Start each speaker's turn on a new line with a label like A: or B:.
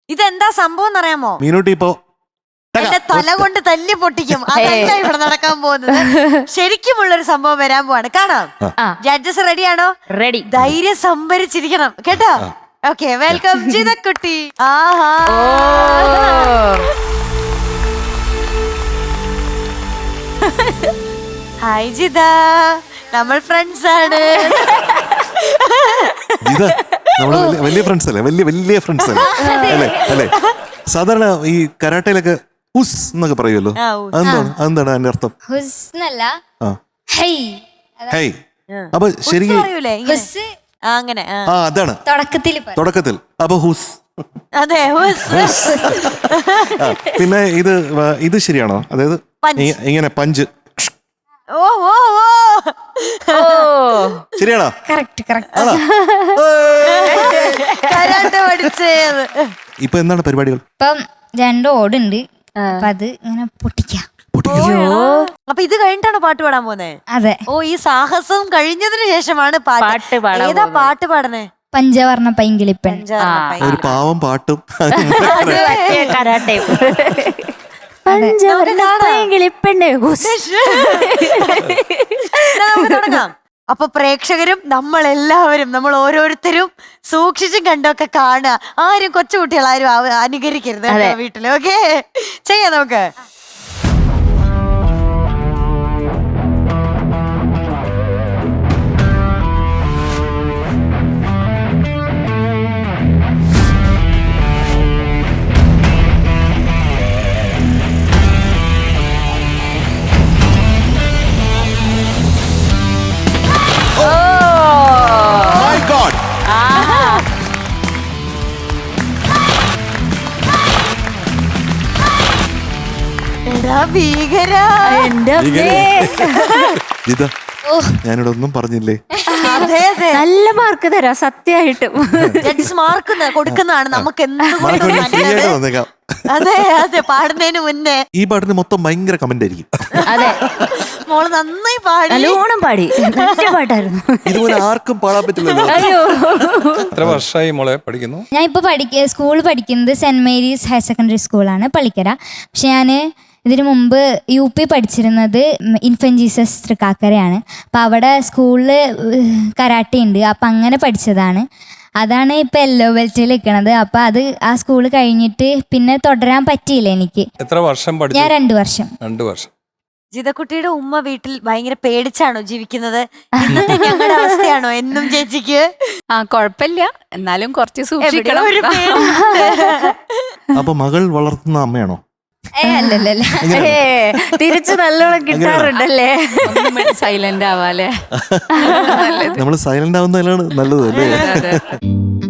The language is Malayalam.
A: ഇതെന്താ സംഭവം എന്നറിയാമോ?
B: മീനൂട്ടി ഇപ്പോ
A: എന്റെ തല കൊണ്ട് തല്ലി പൊട്ടിക്കും. അതല്ല ഇവിടെ നടക്കാൻ പോകുന്നത്. ശരിക്കുമുള്ളൊരു സംഭവം വരാൻ പോവാണ്. കാണാം. ജഡ്ജസ് റെഡിയാണോ?
C: റെഡി.
A: ധൈര്യം സംഭരിച്ചിരിക്കണം കേട്ടോ. ഓക്കെ, വെൽക്കം ജിതക്കുട്ടി. ആഹാ, ഹായ് ജിത, നമ്മൾ ഫ്രണ്ട്സ് ആണ്.
B: നമ്മള് വലിയ ഫ്രണ്ട്സ് അല്ലേ? വലിയ ഫ്രണ്ട്സ് അല്ലേ? അല്ലേ? സാധാരണ ഈ കരാട്ടയിലൊക്കെ ഹുസ് എന്നൊക്കെ പറയുമല്ലോ. അതെന്താണ് അതിന്റെ അർത്ഥം? ഹൈ. അപ്പൊ ശരിക്കും
A: അങ്ങനെ
B: അതാണ് തുടക്കത്തിൽ. അപ്പൊ ഹുസ്.
A: അതെ,
B: പിന്നെ ഇത് ശരിയാണോ? അതായത് ഇങ്ങനെ പഞ്ച്.
A: ഓ ഓ ഓ,
B: ശരിയാണോ? ഇപ്പൊ എന്താണ് പരിപാടികൾ?
D: ഇപ്പം 2 ഓടുണ്ട്. അപ്പൊ അത് ഇങ്ങനെ പൊട്ടിക്കാം.
A: അപ്പൊ ഇത് കഴിഞ്ഞിട്ടാണോ പാട്ട് പാടാൻ പോന്നെ?
D: അതെ.
A: ഓ, ഈ സാഹസം കഴിഞ്ഞതിന് ശേഷമാണ് പാട്ട്. ഏതാ പാട്ട് പാടണേ?
D: പഞ്ചവർണ്ണ പൈങ്കിളിപ്പൻ.
B: ഒരു പാവം പാട്ടും
C: കരാട്ടയും.
A: തുടങ്ങാം. അപ്പൊ പ്രേക്ഷകരും നമ്മളെല്ലാവരും, നമ്മൾ ഓരോരുത്തരും സൂക്ഷിച്ചും കണ്ടൊക്കെ കാണുക. ആരും കൊച്ചുകുട്ടികളാരും അനുകരിക്കരുത് വീട്ടില്. ഓക്കെ, ചെയ്യാം നമുക്ക്.
B: ഞാനിവിടെ ഒന്നും പറഞ്ഞില്ലേ?
C: നല്ല മാർക്ക് തരാം, സത്യമായിട്ടും.
A: ജഡ്ജസ് മാർക്ക് കൊടുക്കുന്നതാണ് നമുക്ക്. അതെ അതെ, പാടുന്നതിന് മുന്നേ.
B: ഈ പാട്ടിന് മൊത്തം ഭയങ്കര കമന്റ് ആയിരിക്കും.
C: അതെ,
A: മോള് നന്നായി പാടി,
C: നല്ലോണം പാടി. നല്ല പാട്ടായിരുന്നു.
B: ഇതുപോലെ ആർക്കും പാടാൻ പറ്റില്ലല്ലോ.
E: എത്ര വർഷമായി മോളെ പഠിക്കുന്നു?
D: ഞാൻ ഇപ്പൊ സ്കൂൾ പഠിക്കുന്നത് സെന്റ് മേരീസ് ഹയർ സെക്കൻഡറി സ്കൂളാണ്, പള്ളിക്കര. പക്ഷെ ഞാൻ ഇതിനു മുമ്പ് UP പഠിച്ചിരുന്നത് ഇൻഫന്റ് ജീസസ് തൃക്കാക്കരയാണ്. അപ്പം അവിടെ സ്കൂളിൽ കരാട്ടെ ഉണ്ട്. അപ്പം അങ്ങനെ പഠിച്ചതാണ്. അതാണ് ഇപ്പം യെല്ലോ ബെൽറ്റിൽ നിൽക്കണത്. അപ്പം അത് ആ സ്കൂൾ കഴിഞ്ഞിട്ട് പിന്നെ തുടരാൻ പറ്റിയില്ല എനിക്ക്.
E: എത്ര വർഷം പഠിച്ചു?
D: ഞാൻ 2 വർഷം.
E: 2 വർഷം.
A: ജിതക്കുട്ടിയുടെ ഉമ്മ വീട്ടിൽ ഭയങ്കര പേടിച്ചാണോ ജീവിക്കുന്നത്? ഇന്നത്തെ ഞങ്ങളുടെ അവസ്ഥയാണോ എന്നും ചേച്ചിക്ക്?
C: കൊഴപ്പില്ല, എന്നാലും കുറച്ച് സൂക്ഷിക്കണം.
B: അപ്പൊ മകൾ വളർത്തുന്ന അമ്മയാണോ?
D: അല്ലല്ല,
C: തിരിച്ചു നല്ലോണം കിട്ടാറുണ്ടല്ലേ. സൈലന്റ് ആവാല്ലേ?
B: നമ്മള് സൈലന്റ് ആവുന്നതിലാണ് നല്ലത് അല്ലേ?